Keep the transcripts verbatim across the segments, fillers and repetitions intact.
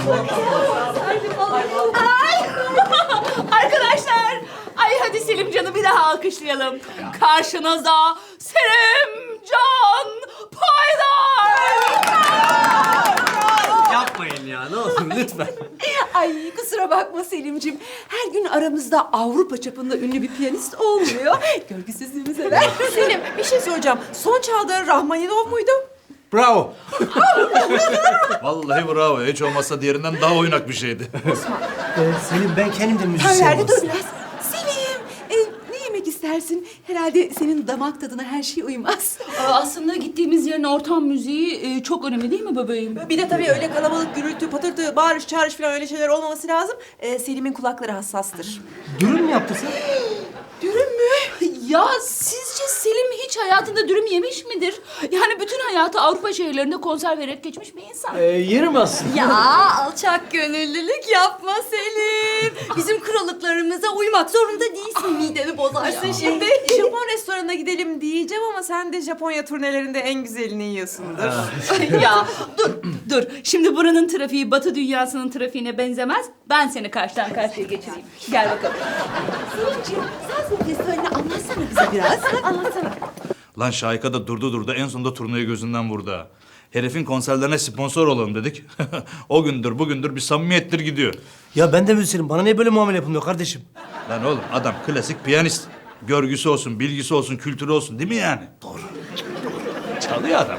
Ay! Arkadaşlar, ay hadi Selimcan'ı bir daha alkışlayalım. Karşınızda Selimcan Paydar! Yapmayın ya, ne olur lütfen. Ay kusura bakma Selimciğim. Her gün aramızda Avrupa çapında ünlü bir piyanist olmuyor. Görgüsüzlüğümüze ver. Selim bir şey soracağım. Son çaldığın Rahmaninov muydu? Bravo. Vallahi bravo. Hiç olmazsa diğerinden daha oynak bir şeydi. Ee, Selim, ben kendim de Ha, müzisyenim nerede dur aslında. biraz. Selim, e, ne yemek istersin? Herhalde senin damak tadına her şey uymaz. Aa, aslında gittiğimiz yerin ortam müziği e, çok önemli değil mi bebeğim? Bir de tabii öyle kalabalık, gürültü, patırtı, bağırış, çağırış falan öyle şeyler olmaması lazım. Ee, Selim'in kulakları hassastır. Dürüm mü yaptırsın? Dürüm mü? Ya sizce Selim hiç hayatında dürüm yemiş midir? Yani bütün hayatı Avrupa şehirlerinde konser vererek geçmiş bir insan. Ee, yerim aslında. Ya alçak gönüllülük yapma Selim. Bizim krallıklarımıza uymak zorunda değilsin. Mideni bozarsın şimdi. Japon restoranına gidelim diyeceğim ama sen de Japonya turnelerinde en güzelini yiyorsundur. Ya dur dur. Şimdi buranın trafiği Batı dünyasının trafiğine benzemez. Ben seni karşıdan karşıya geçireyim. Gel bakalım. Selimciğim sen festivalini anlatsana bize biraz. Ha, anlatsana. Lan Şahika da durdu durdu en sonunda turnayı gözünden vurdu ha. Herifin konserlerine sponsor olalım dedik. O gündür bugündür bir samimiyettir gidiyor. Ya ben de müzisyenim, bana niye böyle muamele yapılmıyor kardeşim? Lan oğlum adam klasik piyanist. Görgüsü olsun, bilgisi olsun, kültürü olsun değil mi yani? Doğru. Çalıyor adam.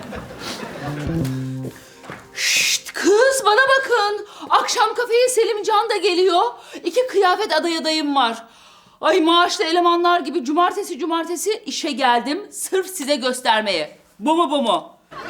Şşt kız bana bakın. Akşam kafeye Selimcan da geliyor. İki kıyafet aday adayım var. Ay maaşlı elemanlar gibi cumartesi cumartesi işe geldim. Sırf size göstermeye. Bu mu bu mu?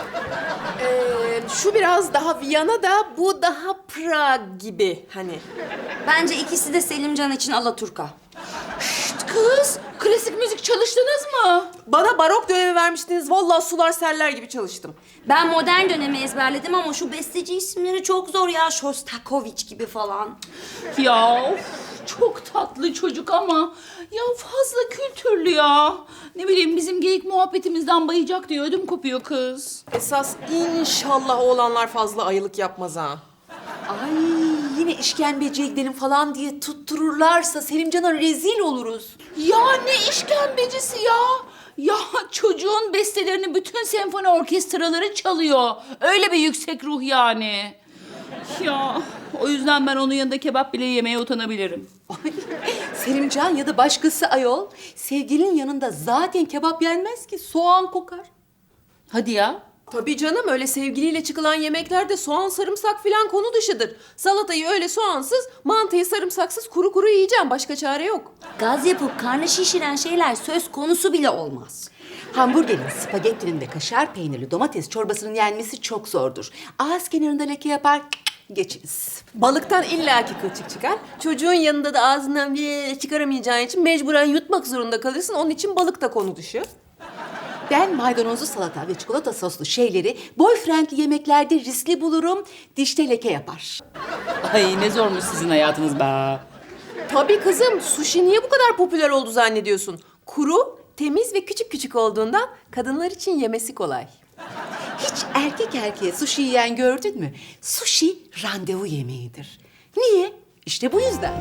Ee, şu biraz daha Viyana da bu daha Prag gibi hani. Bence ikisi de Selimcan için alaturka. Şşt kız klasik müzik çalıştınız mı? Bana barok dönemi vermiştiniz. Vallahi sular seller gibi çalıştım. Ben modern dönemi ezberledim ama şu besteci isimleri çok zor ya. Shostakovich gibi falan. Ya of, çok tatlı çocuk ama ya fazla kültürlü ya. Ne bileyim bizim geyik muhabbetimizden bayacak diye ödüm kopuyor kız. Esas inşallah oğlanlar fazla ayılık yapmaz ha. Ay yine işkembeciye gidelim falan diye tuttururlarsa Selimcan'a rezil oluruz. Ya ne işkembecisi ya? Ya çocuğun bestelerini bütün senfoni orkestraları çalıyor. Öyle bir yüksek ruh yani. Ya o yüzden ben onun yanında kebap bile yemeye utanabilirim. Ay, Selimcan ya da başkası ayol. Sevgilinin yanında zaten kebap yenmez ki soğan kokar. Hadi ya. Tabii canım öyle sevgiliyle çıkılan yemeklerde soğan sarımsak filan konu dışıdır. Salatayı öyle soğansız, mantıyı sarımsaksız kuru kuru yiyeceğim. Başka çare yok. Gaz yapıp karnı şişiren şeyler söz konusu bile olmaz. Hamburgerin, spagettinin ve kaşar peynirli domates çorbasının yenmesi çok zordur. Ağız kenarında leke yapar, geçiniz. Balıktan illaki kılçık çıkar. Çocuğun yanında da ağzından bir çıkaramayacağın için mecburen yutmak zorunda kalırsın. Onun için balık da konu dışı. Ben maydanozlu salata ve çikolata soslu şeyleri boyfriendli yemeklerde riskli bulurum. Dişte leke yapar. Ay ne zormuş sizin hayatınız be. Tabii kızım, sushi niye bu kadar popüler oldu zannediyorsun? Kuru, temiz ve küçük küçük olduğundan kadınlar için yemesi kolay. Hiç erkek erkeğe sushi yiyen gördün mü? Sushi randevu yemeğidir. Niye? İşte bu yüzden.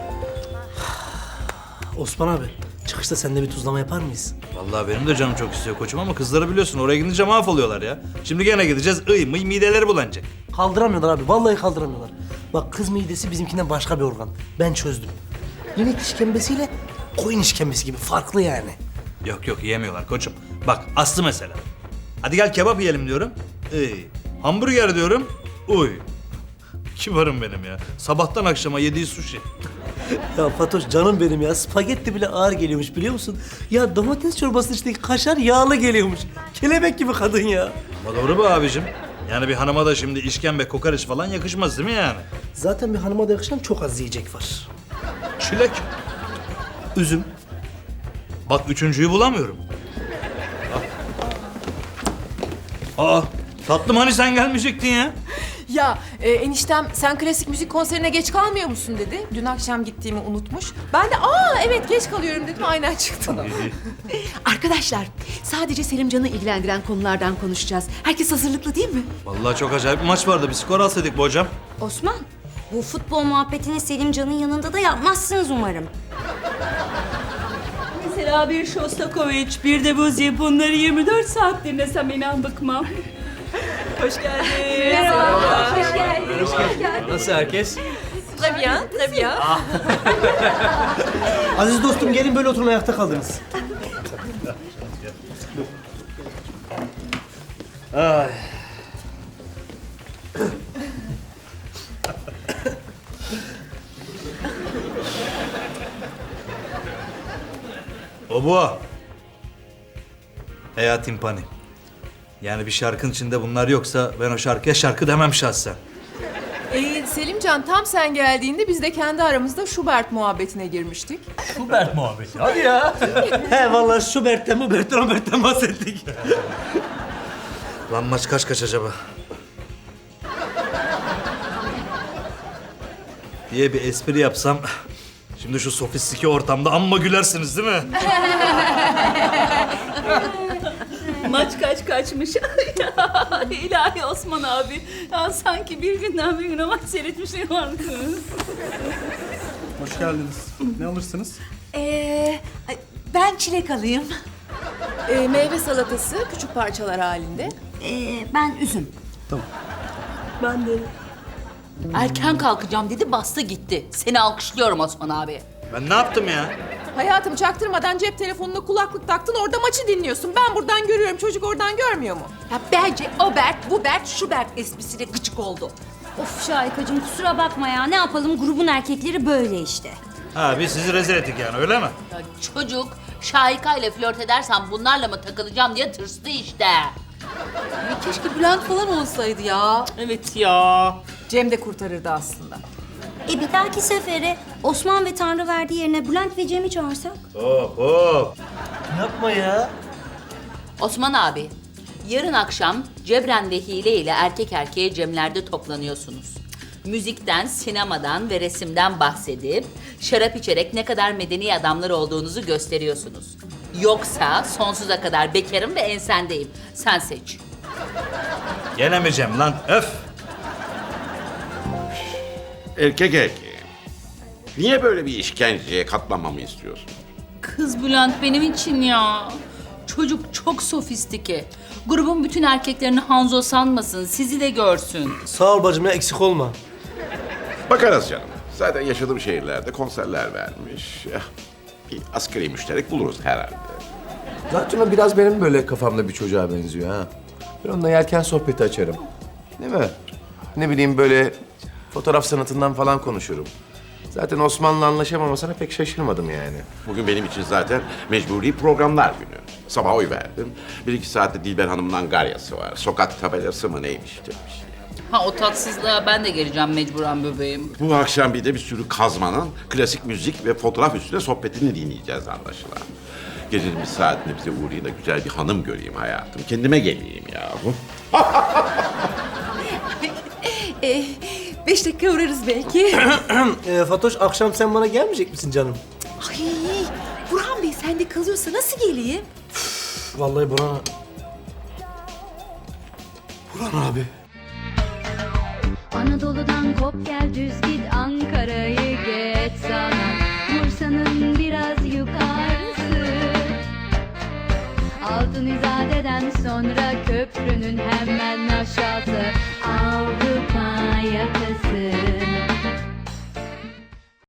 Osman abi, çıkışta seninle bir tuzlama yapar mıyız? Vallahi benim de canım çok istiyor koçum ama kızları biliyorsun oraya gidince mahvoluyorlar ya. Şimdi gene gideceğiz ıy mıy mideleri bulanacak. Kaldıramıyorlar abi, vallahi kaldıramıyorlar. Bak kız midesi bizimkinden başka bir organ. Ben çözdüm. İnek işkembesiyle koyun işkembesi gibi farklı yani. Yok yok yiyemiyorlar koçum. Bak Aslı mesela. Hadi gel kebap yiyelim diyorum. Iy. Hamburger diyorum. Uy. Kibarım benim ya. Sabahtan akşama yediği sushi. Ya Fatoş canım benim ya, spagetti bile ağır geliyormuş biliyor musun? Ya domates çorbasının içindeki kaşar yağlı geliyormuş. Kelebek gibi kadın ya. Ama doğru bu abicim. Yani bir hanıma da şimdi işkembe kokoreç falan yakışmaz değil mi yani? Zaten bir hanıma da yakışan çok az yiyecek var. Çilek. Üzüm. Bak üçüncüyü bulamıyorum. Aa, tatlım hani sen gelmeyecektin ya? Ya e, eniştem sen klasik müzik konserine geç kalmıyor musun dedi. Dün akşam gittiğimi unutmuş. Ben de aa evet geç kalıyorum dedim aynen çıktım. Arkadaşlar, sadece Selimcan'ı ilgilendiren konulardan konuşacağız. Herkes hazırlıklı değil mi? Vallahi çok acayip bir maç vardı. Bir skor alsaydık bu hocam. Osman, Bu futbol muhabbetini Selimcan'ın yanında da yapmazsınız umarım. Mesela bir Shostakovich, bir de Buzi, bunları yirmi dört saat dinlesem inan bıkmam. Hoş geldin. Merhaba. Hoş geldin. Nasıl herkes? Tabii ya, tabii ya. Aziz dostum gelin böyle oturun ayakta kaldınız. Ay. O bu. Veya timpani. Yani bir şarkının içinde bunlar yoksa ben o şarkıya şarkı demem şahsen. Ee, Selimcan tam sen geldiğinde biz de kendi aramızda Schubert muhabbetine girmiştik. Schubert muhabbeti. Hadi ya. He vallahi Schubert'ten, Mubert'ten, Robert'ten bahsettik. Lan maç kaç kaç acaba? diye bir espri yapsam... Şimdi şu sofistike ortamda amma gülersiniz değil mi? Maç kaç kaçmış. İlahi Osman abi. Ya sanki bir günden bir güne maç seyretmişim vardı. Hoş geldiniz. Ne alırsınız? Ee, ben çilek alayım. Ee, meyve salatası küçük parçalar halinde. Ee, ben üzüm. Ben de. Erken kalkacağım dedi, bastı gitti. Seni alkışlıyorum Osman abi. Ben ne yaptım ya? Hayatım çaktırmadan cep telefonuna kulaklık taktın orada maçı dinliyorsun. Ben buradan görüyorum, çocuk oradan görmüyor mu? Ya bence o Bert, bu Bert, şu Bert esprisiyle gıcık oldu. Of Şahikacığım kusura bakma ya. Ne yapalım, grubun erkekleri böyle işte. Ha biz sizi rezil ettik yani öyle mi? Ya çocuk Şahika ile flört edersem bunlarla mı takılacağım diye tırstı işte. Ya keşke Bülent falan olsaydı ya. Evet ya. Cem de kurtarırdı aslında. E bir dahaki sefere Osman ve Tanrıverdi yerine Bülent ve Cem'i çağırsak? Hop hop. Yapma ya. Osman abi, yarın akşam Cebren ve Hile ile erkek erkeğe Cemler'de toplanıyorsunuz. Müzikten, sinemadan ve resimden bahsedip şarap içerek ne kadar medeni adamlar olduğunuzu gösteriyorsunuz. Yoksa sonsuza kadar bekarım ve ensendeyim. Sen seç. Yenemeyeceğim lan öf. Erkek erkeğe. Niye böyle bir işkenceye katlanmamı istiyorsun? Kız Bülent benim için ya. Çocuk çok sofistike. Grubun bütün erkeklerini Hanzo sanmasın, sizi de görsün. Sağ ol bacım ya, eksik olma. Bakarız canım. Zaten yaşadığım şehirlerde konserler vermiş. Eh, Bir asgari müşterek buluruz herhalde. Zaten o biraz benim böyle kafamda bir çocuğa benziyor ha. Ben onunla yelken sohbeti açarım. Değil mi? Ne bileyim böyle fotoğraf sanatından falan konuşurum. Zaten Osman'la anlaşamamasına pek şaşırmadım yani. Bugün benim için zaten mecburi programlar günü. Sabah oy verdim. Bir iki saatte Dilber Hanım'ın angaryası var. Sokak tabelası mı neymiş demiş. Ha o tatsızlığa ben de geleceğim mecburen bebeğim. Bu akşam bir de bir sürü kazmanın klasik müzik ve fotoğraf üstüne sohbetini dinleyeceğiz anlaşılan. Gecenin bir saatinde bize uğrayın da güzel bir hanım göreyim hayatım. Kendime geleyim yahu. Ee, beş dakika uğrarız belki. Ee, Fatoş akşam sen bana gelmeyecek misin canım? Ay, Burhan Bey sende kalıyorsa nasıl geleyim? Vallahi Burhan... Burhan abi. Anadolu'dan kop gel düz git Ankara'yı geç sana Bursa'nın biraz yukarısı Altın İzade'den sonra köprünün hemen aşağısı